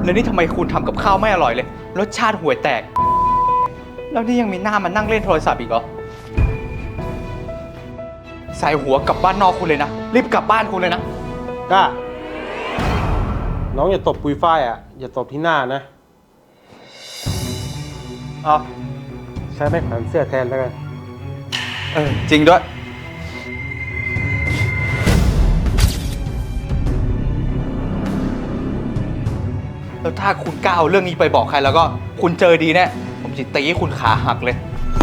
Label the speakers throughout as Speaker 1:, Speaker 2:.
Speaker 1: แล้วนี่ทำไมคุณทำกับข้าวไม่อร่อยเลยรสชาติห่วยแตกแล้วนี่ยังมีหน้ามานั่งเล่นโทรศัพท์อีกเหรอใส่หัวกลับบ้านนอกคุณเลยนะรีบกลับบ้านคุณเลยนะ
Speaker 2: กล้าน้องอย่าตบปุยฝ้ายอ่ะอย่าตบที่หน้านะเอาใช้ไม้แขวนเสื้อแทนแล้วกัน
Speaker 1: จริงด้วยแล้วถ้าคุณกล้าเอาเรื่องนี้ไปบอกใครแล้วก็คุณเจอดีแน่ผมจะตีให้คุณขาหักเลย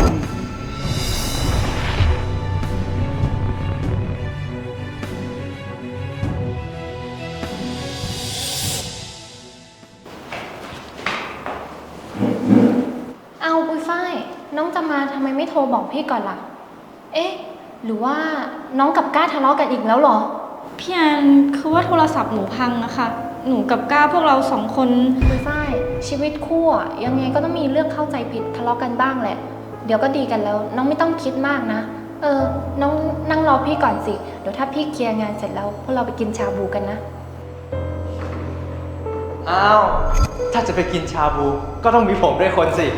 Speaker 3: เอาปุยฝ้ายน้องจะมาทำไมไม่โทรบอกพี่ก่อนล่ะเอ๊ะหรือว่าน้องกับก้าทะเลาะกันอีกแล้วเหรอ
Speaker 4: พี่แอนคือว่าโทรศัพท์หนูพังอะค่ะหนูกับก้าพวกเรา2 คน
Speaker 3: ปุยฝ้ายชีวิตคู่อะยังไงก็ต้องมีเรื่องเข้าใจผิดทะเลาะกันบ้างแหละเดี๋ยวก็ดีกันแล้วน้องไม่ต้องคิดมากนะน้องนั่งรอพี่ก่อนสิเดี๋ยวถ้าพี่เคลียร์งานเสร็จแล้วพวกเราไปกินชาบูกันนะ
Speaker 1: อ้าวถ้าจะไปกินชาบูก็ต้องมีผมด้วยคนสิ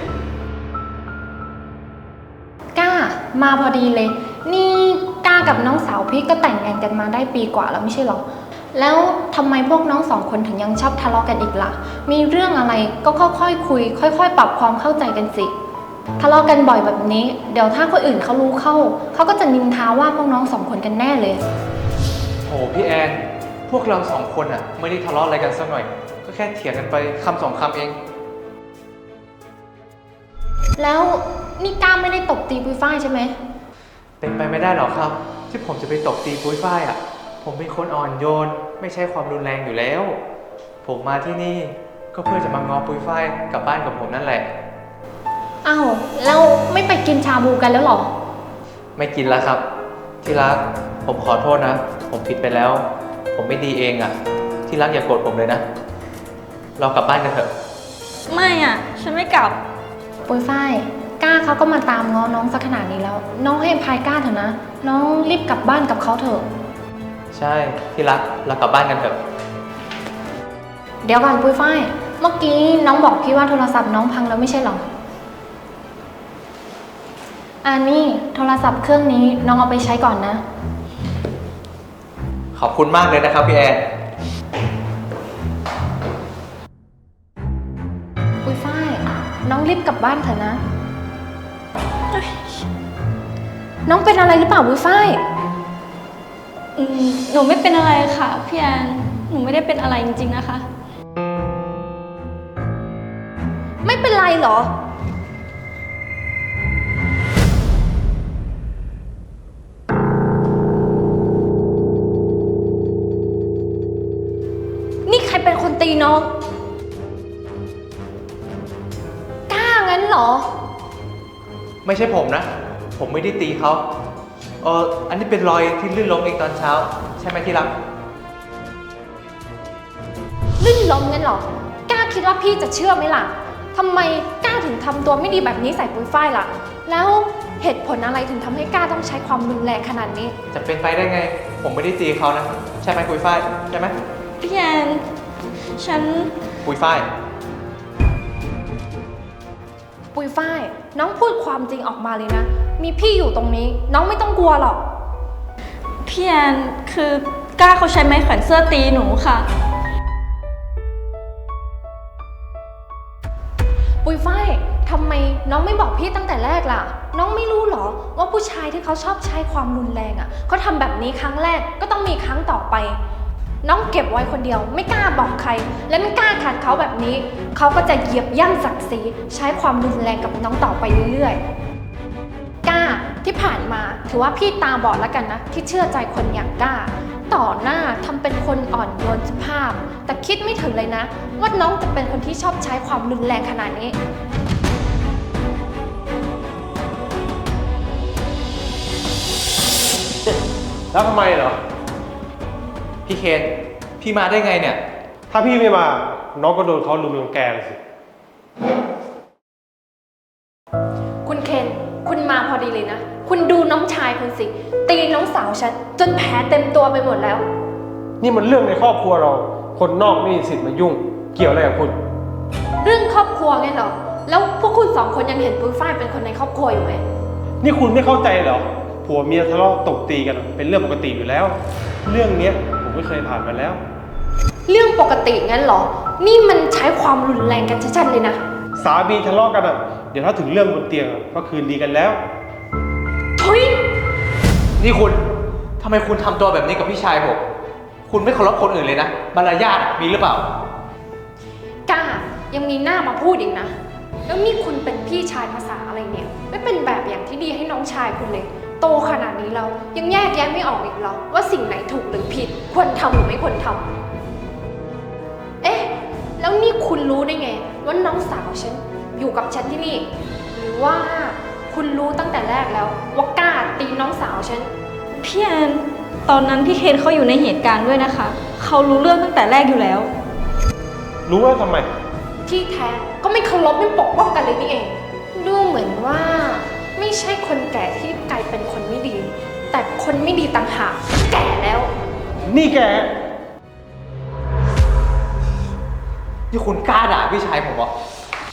Speaker 3: ก้ามาพอดีเลยนี่ก้ากับน้องสาวพี่ก็แต่งงานกันมาได้ปีกว่าแล้วไม่ใช่หรอแล้วทำไมพวกน้อง2 คนถึงยังชอบทะเลาะกันอีกล่ะมีเรื่องอะไรก็ค่อยๆคุยค่อยๆปรับความเข้าใจกันสิทะเลาะกันบ่อยแบบนี้เดี๋ยวถ้าคนอื่นเขารู้เขาก็จะนินทาว่าพวกน้อง2 คนกันแน่เลย
Speaker 1: โหพี่แอนพวกเรา2 คนอะไม่ได้ทะเลาะอะไรกันสักหน่อยก็แค่เถียงกันไปคำ2 คำเอง
Speaker 3: แล้วนี่ก้าไม่ได้ตบตีปุยฝ้ายใช่ไหม
Speaker 1: เป็นไปไม่ได้หรอกครับที่ผมจะไปตบตีปุ้ยฝ้ายอ่ะผมเป็นคนอ่อนโยนไม่ใช่ความรุนแรงอยู่แล้วผมมาที่นี่ก็เพื่อจะมางอปุ้ยฝ้ายกลับบ้านกับผมนั่นแหละ
Speaker 3: อ้าวแล้วไม่ไปกินชาบูกันแล้วหรอ
Speaker 1: ไม่กินแล้วครับที่รักผมขอโทษนะผมผิดไปแล้วผมไม่ดีเองอ่ะที่รักอย่าโกรธผมเลยนะเรากลับบ้านกันเถอะ
Speaker 4: ไม่อ่ะฉันไม่กลับ
Speaker 3: ปุ้ยฝ้ายก้าเขาก็มาตามง้อน้องสักขนาดนี้แล้วน้องให้อภัยก้าเถอะนะน้องรีบกลับบ้านกับเขาเถอะ
Speaker 1: ใช่ที่รักเรากลับบ้านกันเถอะ
Speaker 3: เดี๋ยวก่อนปุ้ยฝ้ายเมื่อกี้น้องบอกพี่ว่าโทรศัพท์น้องพังแล้วไม่ใช่หรอนี่โทรศัพท์เครื่องนี้น้องเอาไปใช้ก่อนนะ
Speaker 1: ขอบคุณมากเลยนะครับพี่แอน
Speaker 3: ปุ้ยฝ้ายน้องรีบกลับบ้านเถอะนะน้องเป็นอะไรหรือเปล่าปุ้ยฝ้าย
Speaker 4: หนูไม่เป็นอะไรค่ะพี่แอนหนูไม่ได้เป็นอะไรจริงๆนะคะ
Speaker 3: ไม่เป็นไรเหรอนี่ใครเป็นคนตีน้องกล้างั้นเหรอ
Speaker 1: ไม่ใช่ผมนะผมไม่ได้ตีเขาอันนี้เป็นรอยที่ลื่นล้มเองตอนเช้าใช่ไหมที่รัก
Speaker 3: ลื่นล้มงั้นเหรอกล้าคิดว่าพี่จะเชื่อไหมล่ะทำไมกล้าถึงทำตัวไม่ดีแบบนี้ใส่ปุ้ยฝ้ายล่ะแล้วเหตุผลอะไรถึงทำให้กล้าต้องใช้ความรุนแรงขนาดนี้
Speaker 1: จะเป็นไปได้ไงผมไม่ได้ตีเขานะใช่ไหมปุ้ยฝ้ายใช่ไหม
Speaker 4: พี่แอนฉัน
Speaker 1: ปุ้ยฝ้าย
Speaker 3: ปุ้ยฝ้ายน้องพูดความจริงออกมาเลยนะมีพี่อยู่ตรงนี้น้องไม่ต้องกลัวหรอก
Speaker 4: พี่แอนคือก้าเขาใช้ไม้แขวนเสื้อตีหนูค่ะ
Speaker 3: ปุ้ยฝ้ายทำไมน้องไม่บอกพี่ตั้งแต่แรกล่ะน้องไม่รู้หรอว่าผู้ชายที่เขาชอบใช้ความรุนแรงเขาทำแบบนี้ครั้งแรกก็ต้องมีครั้งต่อไปน้องเก็บไว้คนเดียวไม่กล้าบอกใครและไม่กล้าขัดเขาแบบนี้เขาก็จะเหยียบย่ำศักดิ์ศรีใช้ความรุนแรงกับน้องต่อไปเรื่อยๆกล้าที่ผ่านมาถือว่าพี่ตาบอดแล้วกันนะที่เชื่อใจคนอย่างกล้าต่อหน้าทำเป็นคนอ่อนโยนสุภาพแต่คิดไม่ถึงเลยนะว่าน้องจะเป็นคนที่ชอบใช้ความรุนแรงขนาดนี้
Speaker 2: แล้วทำไมเหรอ
Speaker 1: พี่เคนพี่มาได้ไงเนี่ย
Speaker 2: ถ้าพี่ไม่มาน้องก็โดนเขาลุมรังแกสิ
Speaker 3: คุณเคนคุณมาพอดีเลยนะคุณดูน้องชายคุณสิตีน้องสาวฉันจนแผลเต็มตัวไปหมดแล้ว
Speaker 2: นี่มันเรื่องในครอบครัวเราคนนอกไม่มีสิทธิ์มายุ่งเกี่ยวอะไรกับคุณ
Speaker 3: เรื่องครอบครัวไงเหรอ แล้วพวกคุณสองคนยังเห็นปุ้ยฝ้ายเป็นคนในครอบครัวอยู่ไหม
Speaker 2: นี่คุณไม่เข้าใจเหรอ ผัวเมียทะเลาะตบตีกันเป็นเรื่องปกติอยู่แล้ว เรื่องเนี้ยผมไม่เคยผ่านมาแล้ว
Speaker 3: เรื่องปกติงั้นเหรอ นี่มันใช้ความรุนแรงกันชัดๆเลยนะ
Speaker 2: สามีทะเลาะกันเดี๋ยวถ้าถึงเรื่องบนเตียงก็คืนดีกันแล้ว
Speaker 3: ทุย
Speaker 1: นี่คุณทำไมคุณทำตัวแบบนี้กับพี่ชายผม คุณไม่เคารพคนอื่นเลยนะมารยาทมีหรือเปล่า
Speaker 3: กล้ายังมีหน้ามาพูดอีกนะ แล้วนี่คุณเป็นพี่ชายภาษาอะไรเนี่ย ไม่เป็นแบบอย่างที่ดีให้น้องชายคุณเลย โตขนาดนี้แล้วยังแยกแยะไม่ออกอีกเหรอว่าสิ่งไหนถูกหรือผิด ควรทำหรือไม่ควรทำเอ๊ะ แล้วนี่คุณรู้ได้ไงว่าน้องสาวฉันอยู่กับฉันที่นี่ หรือว่าคุณรู้ตั้งแต่แรกแล้วว่ากล้าตีน้องสาวฉัน
Speaker 4: พี่แอนตอนนั้นพี่เคนเขาอยู่ในเหตุการณ์ด้วยนะคะ เขารู้เรื่องตั้งแต่แรกอยู่แล้ว
Speaker 2: รู้ว่าทำไม
Speaker 3: ที่แท้ก็ไม่เคารพไม่ปกป้องกันเลยนี่เอง ดูเหมือนว่าไม่ใช่คนแก่ที่กลายเป็นคนไม่ดี แต่คนไม่ดีต่างหากแก่แล้ว
Speaker 2: นี่แก
Speaker 1: นี่คุณกล้าด่าพี่ชายผมเหรอ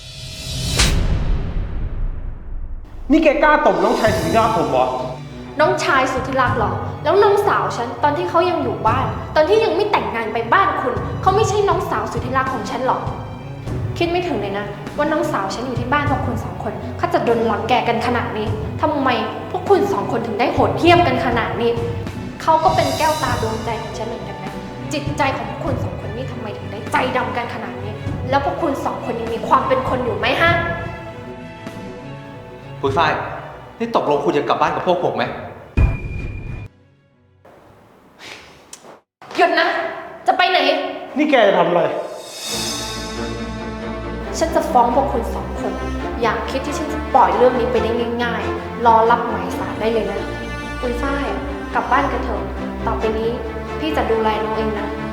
Speaker 2: นี่แกกล้าตบน้องชายถึงหน้าผมเหรอ
Speaker 3: น้องชายสุดที่รักเหรอ แล้วน้องสาวฉันตอนที่เขายังอยู่บ้าน ตอนที่ยังไม่แต่งงานไปบ้านคุณ เขาไม่ใช่น้องสาวสุดที่รักของฉันหรอก คิดไม่ถึงเลยนะว่าน้องสาวฉันอยู่ที่บ้านพวกคุณสองคนเขาจะโดนรังแกกันขนาดนี้ทำไมพวกคุณสองคนถึงได้โหดเหี้ยมกันขนาดนี้ เขาก็เป็นแก้วตาดวงใจของฉันเหมือนกันนะ จิตใจของพวกคุณสองคนนี่ทำไมถึงได้ใจดำกันขนาดนี้ แล้วพวกคุณสองคนยังมีความเป็นคนอยู่ไหมฮะ
Speaker 1: ปุ้ยฝ้าย นี่ตกลงคุณจะกลับบ้านกับพวกผมไหม
Speaker 3: หยุดนะ จะไปไหน
Speaker 2: นี่แกจะทำอะไร
Speaker 3: ฉันจะฟ้องพวกคุณสองคน อย่าคิดที่ฉันจะปล่อยเรื่องนี้ไปได้ง่ายๆ รอรับหมายสารได้เลยนะปุ้ยฝ้าย กลับบ้านกันเถอะ ต่อไปนี้พี่จะดูแลน้องเองนะ